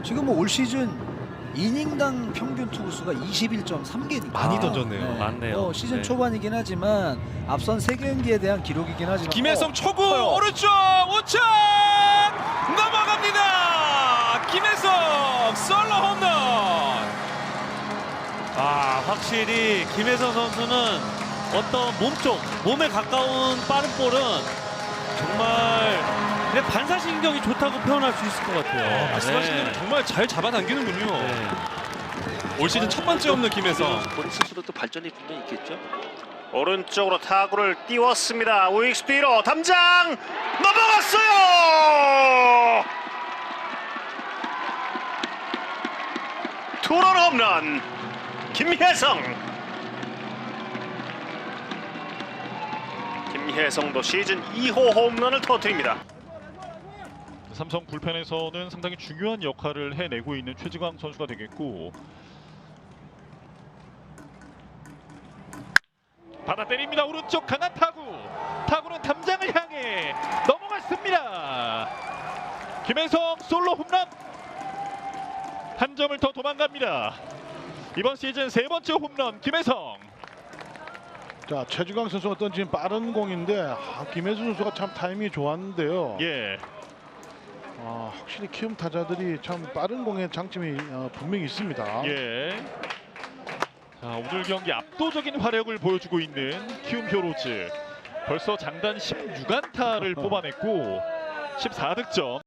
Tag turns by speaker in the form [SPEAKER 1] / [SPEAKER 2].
[SPEAKER 1] 지금 뭐 올 시즌 이닝당 평균 투구수가 21.3개니까
[SPEAKER 2] 많이 던졌네요.
[SPEAKER 3] 많네요.
[SPEAKER 1] 시즌
[SPEAKER 3] 네.
[SPEAKER 1] 초반이긴 하지만 앞선 3경기에 대한 기록이긴 하지만
[SPEAKER 2] 김혜성 초구
[SPEAKER 1] 커요.
[SPEAKER 2] 오른쪽 우측 넘어갑니다. 김혜성 솔로 홈런.
[SPEAKER 3] 확실히 김혜성 선수는 어떤 몸에 가까운 빠른 볼은 정말 그냥 반사신경이 좋다고 표현할 수 있을 것 같아요.
[SPEAKER 2] 말씀하신 대로 정말 잘 잡아당기는군요.
[SPEAKER 3] 네.
[SPEAKER 2] 올 시즌 첫 번째 없는 김혜성.
[SPEAKER 4] 본인 스스로도 발전이 분명히 있겠죠.
[SPEAKER 5] 오른쪽으로 타구를 띄웠습니다. 우익수 뒤로 담장 넘어갔어요. 투런 홈런 김혜성도 시즌 2호 홈런을 터뜨립니다.
[SPEAKER 6] 삼성 불펜에서는 상당히 중요한 역할을 해내고 있는 최지광 선수가 되겠고, 받아 때립니다. 오른쪽 강한 타구는 담장을 향해 넘어갔습니다. 김혜성 솔로 홈런, 한 점을 더 도망갑니다. 이번 시즌 3번째 홈런 김혜성.
[SPEAKER 7] 자, 최주강 선수가 던진 빠른 공인데 김혜수 선수가 참 타이밍이 좋았는데요.
[SPEAKER 6] 예.
[SPEAKER 7] 확실히 키움 타자들이 참 빠른 공의 장점이 분명히 있습니다.
[SPEAKER 6] 예. 자, 오늘 경기 압도적인 화력을 보여주고 있는 키움 히어로즈. 벌써 장단 16안타를 뽑아냈고 14득점.